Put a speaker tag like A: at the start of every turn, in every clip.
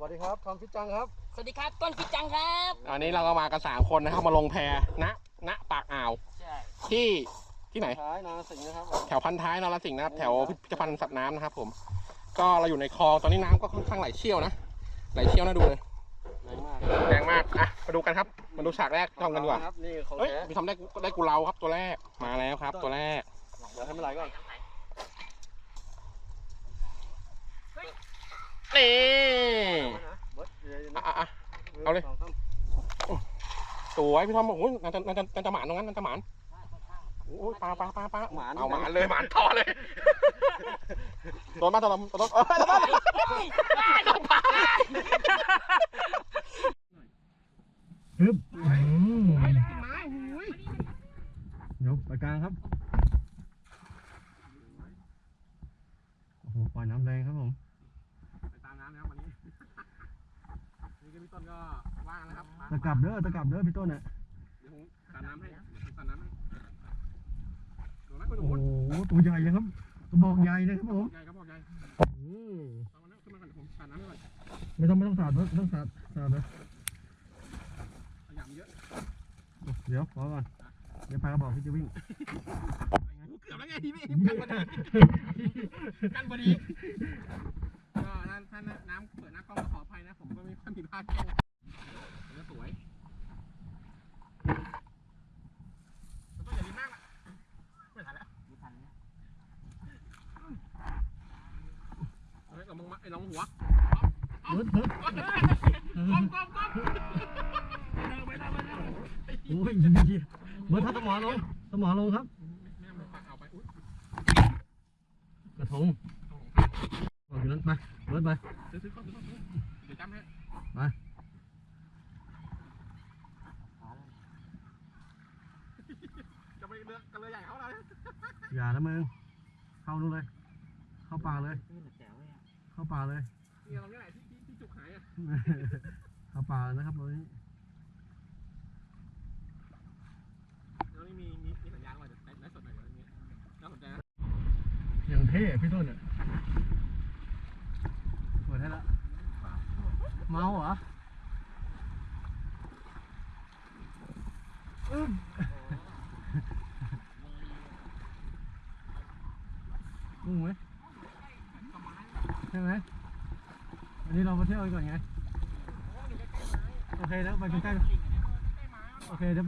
A: วัสดีครับทอมฟิตจังครับ
B: สวัสดีครับต้นฟิตจังครับ
C: อันนี้เราก็มากัน3 คนนะครับมาลงแพณปากอ่าวที่ไหน
A: ท้ายนรสิงห์นะครับ
C: แถวพันท้ายนรสิงห์นะครับแถวพิพิธภัณฑ์สัตว์น้ำนะครับผมก็เราอยู่ในคลองตอนนี้น้ำก็ค่อนข้างไหลเชี่ยวนะไหลเชี่ยวน่าดูเลยแรงมากอ่ะมาดูกันครับมาดูฉากแรกทำกันดีกว่าเฮ้ยพี่ทำได้กูเราครับตัวแรกมาแล้วครับตัวแรก
A: เดี๋ยวให้มันไหลก่อน
C: นี่เอาเลยสวยพี่ทอมบอกโอ้ยน่าจะหมานตรงนั้นน่าจะหมานโอ้ยปลาเอาหมานเลยหมานต่อเลยโดนมาตลอดโดนปลา
A: ฮึบยกไปกลางครับโอ้โหปล่อยน้ำแรงครับผม
C: ไปตามน้ำนะครับวันนี้นี่ก็พี่ต้นก็ว่างนะครับ
A: ตะกลับเด้อพี่ต้นเนี่ย
C: เดี๋ยวผมตัดน้ำให้ตัดน้ำให้
A: โอ้โหตัวใหญ่เลยครับกระบอกใหญ่เลยครับผม
C: ใหญ่กระบอกใหญ่เอาแล้วขึ้นมาก่อนผมตัดน้ำให้ก่อน
A: ไม่ต้องสาดเลย
C: ขยำเยอะ
A: เดี๋ยวขอก่อนเดี๋ยวปลากระบอกพี่จะวิ่ง
C: เกือบแล้วไงพี่กันพอดีก็ท่านน้ำเปิดหน้ากล้องขออภัยนะผมก็มีความผิดพลาดแค่นี้สวยตัวใหญ่ดีมากอ่ะไม่ทันแล้วเฮ้ยเรามึงมาไอ้น้องหัวก้ม
A: โอ้ยเมื่อถ้าสมอลงครับกระทงบอกอยู่นั้นไปเบิร์ดไป
C: เดี๋ยวจำให้
A: ไป
C: จะไปเรือกันเลยใหญ่เขาเลย
A: อย่านะมึงเข้านู่นเลยเข้าป่าเลยเข้าป่าเลย
C: นี่เราเนี่ยไหนที่จุกหายอ่ะ
A: เข้าป่านะครับตรงนี้
C: แล้วนี่มีสัญญาณว่าจะไลฟ์สดหน่อยอะไรเงี้ยน่าสนใจนะ
A: อย่างเท่พี่ต้นเนี่ยเปิดให้ละเมาเหรองงไหมใช่ไหมอันนี้เรามาเที่ยวกันก่อนไงโอเคแล้วไปใกล้ๆโอเคเดี๋ยวไป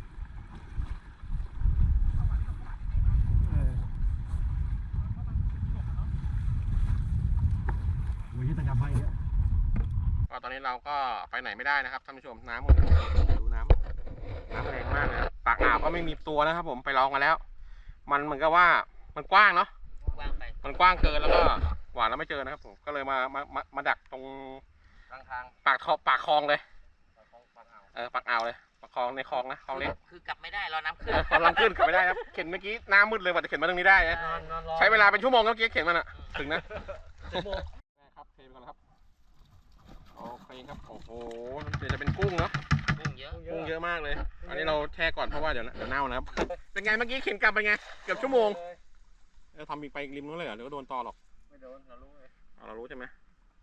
A: ตะกับไปเนี่ย
C: ก็ตอนนี้เราก็ไปไหนไม่ได้นะครับท่านผู้ชมน้ำดูน้ำแรงมากเลยปากอ่าวก็ไม่มีตัวนะครับผมไปลองกันแล้วมันเหมือนกับว่ามันกว้างเนาะมันกว้างเกินแล้วก็หวานแล้วไม่เจอนะครับผมก็เลยมาดักตรงทางปากคลองเลยปากอ่าวเลยปากคลองในคลองนะคลองเล็ก
B: คือกลับไม่ได้รอน้ำขึ้น
C: กำลังขึ้นกลับไม่ได้ครับเข็นเมื่อกี้น้ำมืดเลยกว่าจะเข็นมาตรงนี้ได้นะใช้เวลาเป็นชั่วโมงเมื่อกี้เข็นมันอ่ะถึงนะครับเทไปก่อนครับโอเคครับโอ้โหเดี๋ยวจะเป็นกุ้งเนาะกุ้งเยอะมากเลยอันนี้เราแช่ก่อนเพราะว่าเดี๋ยวเน่านะครับเป็นไงเมื่อกี้เข็นกลับไปไงเกือบชั่วโมงเราทำอีกไปริมนู้นเลยเหรอหรือว่าโดนตอหรอก
A: ไม่โดนเรารู้เลย
C: เรารู้ใช่ไหม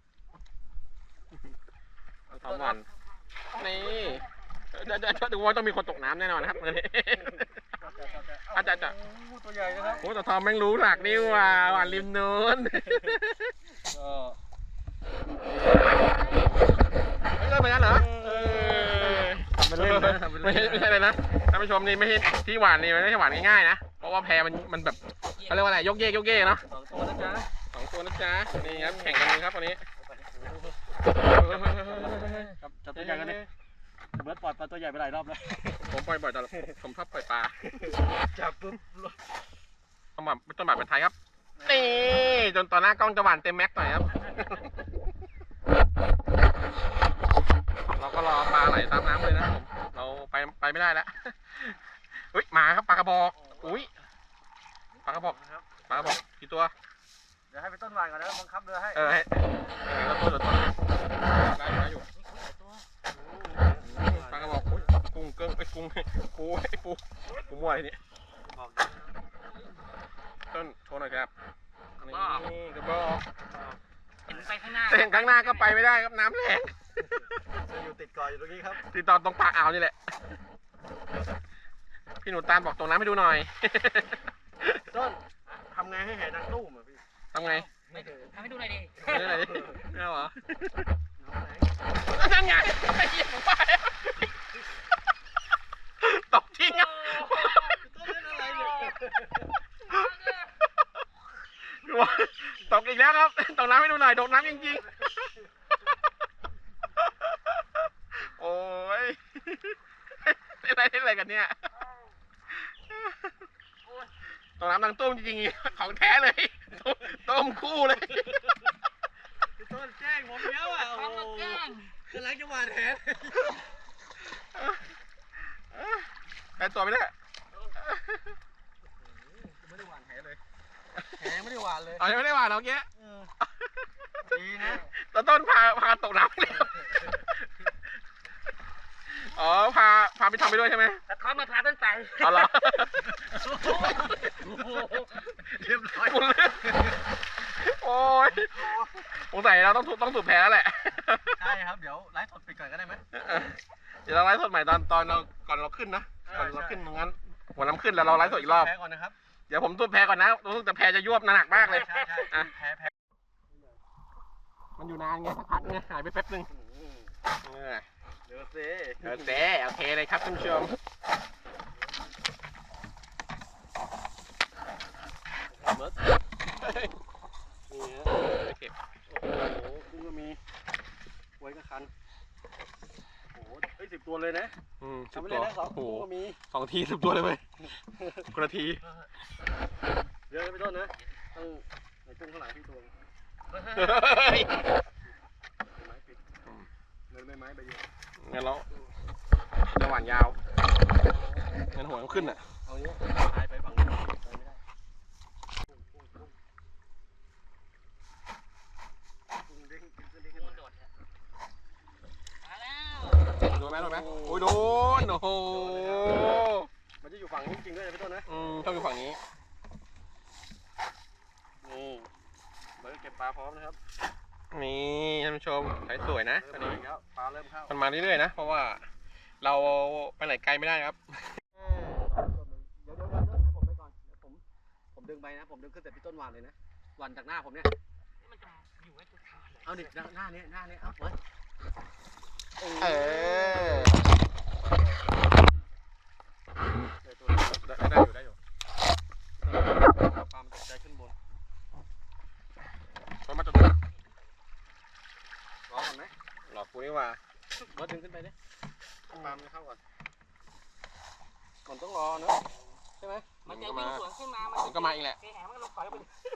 C: ทำวันนี่เดี๋ยวดูว่าต้องมีคนตกน้ำแน่นอนครับอาจารย์
A: ตัวใหญ่นะครับ
C: โอ้แต่ทอมแม่งรู้หลักนี่ว่าหวานริมนู้นไม่ใช่เหมือนกันเหรอไม่ใช่เลยนะท่านผู้ชมนี่ไม่ใช่ที่หวานนี่ไม่ใช่หวานง่ายๆนะเพราะว่าแพมันแบบเขาเรียกว่าอะไรยกเยกเนาะ2 ตัวนะจ๊ะนี่ครับแข่งกันเลยครับวันนี้
A: จับตัวใหญ่กันดิเบิร์ดปล่อยปลาตัวใหญ่ไปหลายรอบแล้ว
C: ผมปล่อยบ่อยแต่ผมชอบปล่อยปลา
A: จับปุ๊บ
C: ต้นแบบเป็นไทยครับนี่จนตอนหน้ากล้องจะหวานเต็มแม็กหน่อยครับเราก็รอปลาไหลตามน้ำเลยนะเราไปไม่ได้แล้วอุ้ยมาครับปลากระบอกอุ้ยปลากระบอกกี่ตัว
A: เดี๋ยวให้ไปต้นวานก่อนนะบังคับเรือให้
C: ให้เราต้นได้อยู่ปลากระบอกกุ้งเกิ้งกุ้งปูมั่วอะไรนี่ต้นโชว์หน่อยครับนี่กระบอก
B: ไปข้างหน้า
C: แต่เห็นข้างหน้าก็ไปไม่ได้ครับน้ำแรง
A: อยู่ติดเกาะอยู่ตรงนี้ครับ
C: ติดต่อตรงปากอ่าวนี่แหละ พี่หนูตาลบอกตรงน้ำให้ดูหน่อย
A: ต้นทำไงให้แห่ดังตู้มอ่ะพี่
C: ทำไง
B: ไม่ทำให้ดูหน่อยดิ
C: ไม่ได้ไม่เอาเหรอ
A: น้ำไหน
C: นั่นไงไอ้เหี้ยผมไปตกจริงอ่ะ
A: ต้นเล่นอะไรเนี่ย
C: ตกอีกแล้วครับตกน้ำให้ดูหน่อยโดดน้ำจริงๆ โอ้ยเล่นอะไรกันเนี่ยตกน้ำดังตุ้มจริงๆของแท้เลยต้มคู่เลย
A: พี่ต้นแกล้งผมเยอะอ่ะโอ้
B: ทำมาแกล้ง
A: กำลังจะหวานแห
C: ได้ตัวไม่ได้
A: ไม่ได้หวานแหเลยแหไม่ได้หวานเลย
C: เอายังไม่ได้หวานเอาเงี้ย
A: ดีนะ
C: ต้นพาตกน้ำเลยอ๋อพาไปทำไปด้วยใช่ไหม
B: แต่เขามาพาต้นไป
C: เอาเหรอ
A: เรียบร้อย
C: โอ้ยสงสัยเราต้องสูบแพ้แล้วแหละ
A: ใช่ครับเดี๋ยวไลฟ์สดปิดก่อนก็ได้ไหม
C: เดี๋ยวเราไลฟ์สดใหม่ตอนเราก่อนเราขึ้นนะก่อนเราขึ้นตรงนั้นหัวน้ำขึ้นแล้วเราไลฟ์สดอีกรอบ
A: แพ้ก่อนนะครับ
C: เดี๋ยวผมสูบแพ้ก่อนนะรู้สึกแต่แพ้จะยวบหนักมากเลย
A: ใช่
C: อ่ะ
A: แพ้
C: มันอยู่นานไงสักพักไงหายไปแป๊บนึง
A: เดี๋ยวสิ
C: โอเคเลยครับคุณผู้ชม
A: เบิร์ดนี่ฮะ
C: โอเค
A: โอ้โหกุ้งก็มีไว้ก็คันโอ้โหเฮ้ย10 ตัวเลยนะ
C: สิบ
A: ทำไป
C: ตั
A: เล
C: วย
A: นะ2
C: โอ้โห
A: ตัวก็มี
C: 2 ที10 ตัวเลยเว้ยคนละที
A: เยอะนะพี่ต้นนะต้องในกุ้งข้างหลังพี่ตัว
C: เฮ้ย
A: ไม้ปิดเงินไม้ใบเดียว
C: งั้นเราจะหวานยาวงั้นหัวมันขึ้นอ่ะ
A: เอาเนี้ยพายไปฝั่งนู้นไปไม่ได้กุ้งเด้งกุ้งเด้งขึ้นมา
B: มาแล้ว
C: โดนไหมโอ้ยโดนโอ้โห
A: มันจะอยู่ฝั่งนี้จริงด้วยนะพี่ต้นนะ
C: ชอบอยู่ฝั่งนี้
A: นี่เบิร์ดเก็บปลาพร้อมนะครับ
C: นี่ท่านผู้ชมใช้สวยนะอัน
A: เริ่ม
C: นี้
A: มาแล้วปลาเริ่มเข้า
C: มันมาเรื่อยๆนะ เพราะว่าเราไปไหนไกลไม่ได้ครับ
A: เดี๋ยวให้ผมไปก่อนเดี๋ยวผมดึงไปนะผมดึงขึ้นแต่พี่ต้นหวานเลยนะหวานจากหน้าผมเนี่ย
B: มันจะอยู่ไว้ตัวทาน
A: เอาดิหน้านี้เอาเบิร์ด
C: เออ
A: เดี๋ยวตัว
C: ได้อยู่
A: ปลามันตกใจขึ้นบน
C: เพราะมันจะ
A: รอก่อนไหม
C: หลอกกูนี่ว่า
A: เบิร์ดดึงขึ้นไปดิปลามันเข้าก่อนก่อนต้องรอเนอะใช่ไหม
B: มันจะวิ่งสวนขึ้นมา
C: มันก็มาอีกแหละ
B: เสียหายมันก็ลงปล่อยไป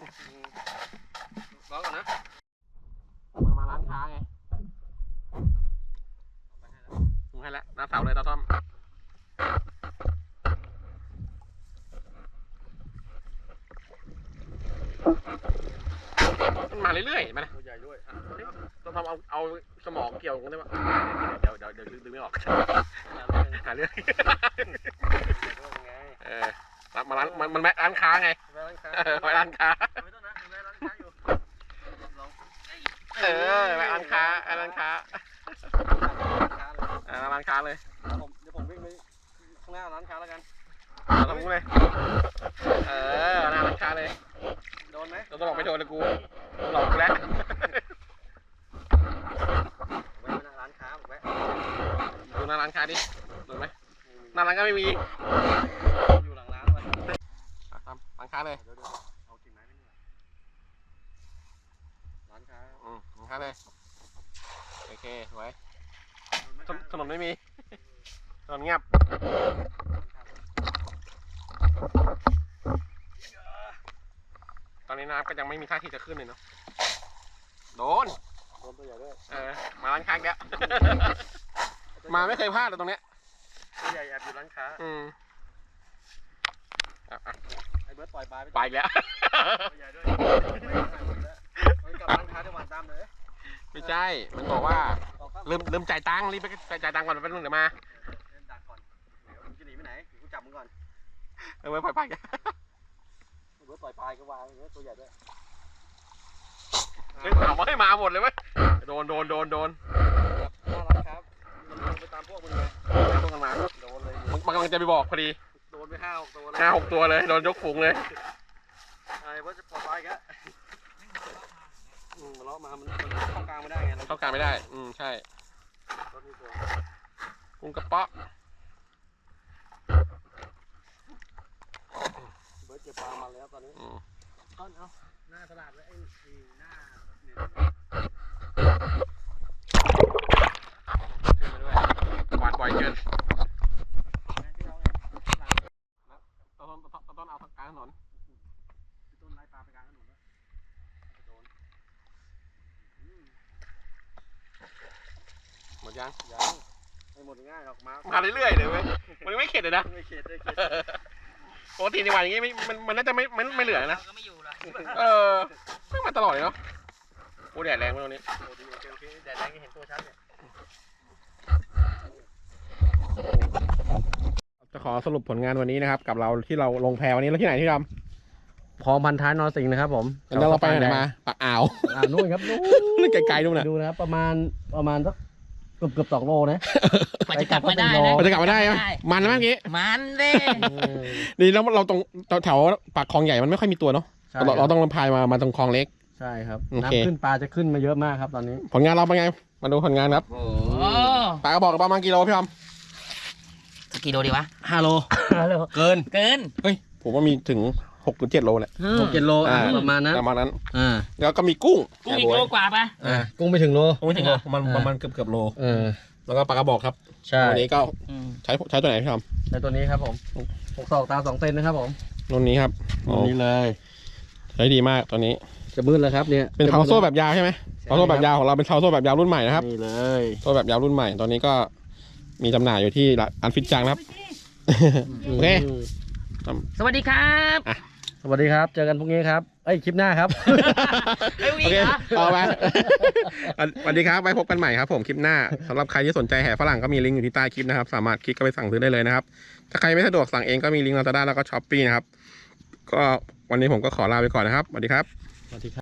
A: รอก่อนนะ
C: มันมาร้านค้าไงถึงให้แล้วหน้าเสาเลยตาต้อมมันมาเรื่อยๆมานะ
A: ตัวใหญ่ด้วยอ่ะ
C: ต้องทำเอาสมองเกี่ยวกันได้ปะเดี๋ยวดึงไม่ออกหาเรื่องมาร้านมันแม่ร้านค้าไง
A: แม่ร้านค้า
C: แม่ร้านค้า
A: ไม่ต้องนะแม่ร้านค้าอยู่ลอง
C: แม่ร้านค้าร้านค้า
A: ร้านค้าเลย
C: ร้านค้าเลย
A: เดี๋ยวผมวิ่งไปข้างหน้าร้านค้าแล้วกัน
C: ทำกูเลยหน้าร้านค้าเลย
A: โดนไหม
C: เราต้องบอกไม่โดนเลยกูหลอกกูแล้ว
A: ไว้หน้าร้านค้าผมไว้
C: ดูหน้าร้านค้าดิโดนไหมหน้าร้านก็ไม่มี
A: อยู่หลังร้านไว้
C: ทำร้านค้าเลย
A: เดี๋ยวเอากิ่งไม้ไปนี่ร้านค้า
C: ร้านค้าเลยโอเคไว้
A: โดนไหม
C: ถนนไม่มีถนนเงียบตอนนี้น้ำก็ยังไม่มีท่าทีจะขึ้นเลยเนาะโดน
A: โดนตัวใหญ่ด้วย
C: มาร้านค้าแล้วมาไม่เคยพลาดเลยตรงเนี้ย
A: ตัวใหญ่แอบอยู่ร้านค้าไอ้เบิร์ดปล่อยปลา
C: ไปอีกแล้ว
A: ตัวใหญ่ด้วยไว้กับร้านค้าจะหวานตามเลย
C: ไม่ใช่มันบอกว่า
A: ต่อครับ
C: ลืมจ่ายตังค์รีบไปจ่ายตังค์ก่อนแป๊บนึงเดี๋ยวมา
A: เล่นดักก่อนเดี๋ยวมึงจะหนีไปไหนเดี๋ยวกูจับมึงก่อน
C: ไว้ปล่อยไปกัน
A: ไอ้เบิร์ดปล่อยปลาก็วางอย่างเงี้ยตัวใหญ่ด้วย
C: เอามาให้มาหมดเลยเว้ยโดน
A: น่ารักครับมันลงไปตามพวกมึงไง
C: ต้องกันมา
A: โดนเลย
C: มันกำลังจะไปบอกพอดี
A: โดนไป5-6 ตัวแล้ว
C: 5-6 ตัวเลยโดนยกฝูงเลย
A: ไอ้ว่าจะปลอดภัยกันมันเลาะมามันเข้ากลางไม่ได้ไง
C: เข้ากลางไม่ได้ใช่
A: รถนี่ตัว
C: กุ้งกระเปาะ
A: เบิร์ดเก็บปลามาแล้วตอนนี้
B: ต้นเอา
A: หน้าตลาดไว้ไอ้หน้าเนี่ย
C: หวานบ่อยเกิน
A: ที่เราไงหลัง
C: ต้นเอากลางถนน
A: ต้นไล่ปลาไปกลางถนนแล้วโดน
C: หมดยัง
A: ยังไม่หมดง่ายหรอกมา
C: มาเรื่อยๆเลยเว้ยมันไม่เข็ดเลยนะ
A: ไม่เข็ดเลย
C: ปกติในวันอย่างงี้มันน่าจะไม่เหลือนะ
B: ก็ไม่อยู่ละ
C: ไม่มาตลอดเลยเนาะโอ้แดดแรงมากตรงนี้
A: โอเคแดดแรงเห็นตัวชัดเนี่ย
C: จะขอสรุปผลงานวันนี้นะครับกับเราที่เราลงแพวันนี้แล้วที่ไหนที่ทำ
A: คลองพันท้ายนรสิงห์นะครับผม
C: แล้วเราไปไหนมาปากอ่าว
A: นู่นครับนู่
C: นั่นไกลๆนู่นน่ะ
A: ดูนะครับประมาณสักเกือบ2 โลนะ
B: กว่าจะกลับมาได้นะ
C: เราจะกลับมาได้ไหมมันนะเมื่อกี้
B: มันเด้
C: ดีแล้วเราตรงแถวปากคลองใหญ่มันไม่ค่อยมีตัวเนาะเราต้องพายมาตรงคลองเล็ก
A: ใช่ครับ
C: โอเค
A: น้ำขึ้นปลาจะขึ้นมาเยอะมากครับตอนนี้
C: ผลงานเราเป็นไงมาดูผลงานครับ
B: โอ้
C: ปลากระบอกประมาณกี่โลพี่อม
B: สกี่โลดีวะ
A: 5 โลเกิน
B: เกิน
C: เฮ้ยผมว่ามีถึง6-7 โลแหละ
A: 6-7 โลประมาณนั้น
C: ประมาณนั้น
A: อ่า
C: แล้วก็มีกุ้ง
B: กูอีกโลกว่าปะ
A: กุ้งไม่ถึงโล
C: ไม่ถึงประมาณเกือบโล แล้วก็ปลากระบอกครับ
A: ใช่
C: วันนี้ก็ใช้ตัวไหนพี่อม
A: ใช้ตัวนี้ครับผม6 ศอกตา2 เซนนะครับผม
C: รุ่นนี้ครับ
A: ตัวนี้เลย
C: ใช้ดีมากตัวนี้
A: จะมืดแล้วครับเนี่ย
C: เป็นเท้าโซ่แบบยาวใช่ไหมเท้าโซ่แบบยาวของเราเป็นเท้าโซ่แบบยาวรุ่นใหม่นะครับ
A: นี่เลย
C: โซ่แบบยาวรุ่นใหม่ตอนนี้ก็มีจำหน่ายอยู่ที่ร้านฟิตจังนะครับ โอเค
B: สวัสดีครับ
A: สวัสดีครับเจอกันพรุ่งนี้ครับคลิปหน้าครับ
B: เอ้ย
C: โอเคเอาไปสวัสดีครับไว้พบกันใหม่ครับผมคลิปหน้าสำหรับใครที่สนใจแห่ฝรั่งก็มีลิงก์อยู่ที่ใต้คลิปนะครับสามารถคลิกเข้าไปสั่งซื้อได้เลยนะครับถ้าใครไม่สะดวกสั่งเองก็มีลิงก์ Lazada แล้วก็ Shopee นะครับก็วันนี้ผมก็ขอลาไปก่อนนะครับสวัสดีครับ
A: สวัสดีครับ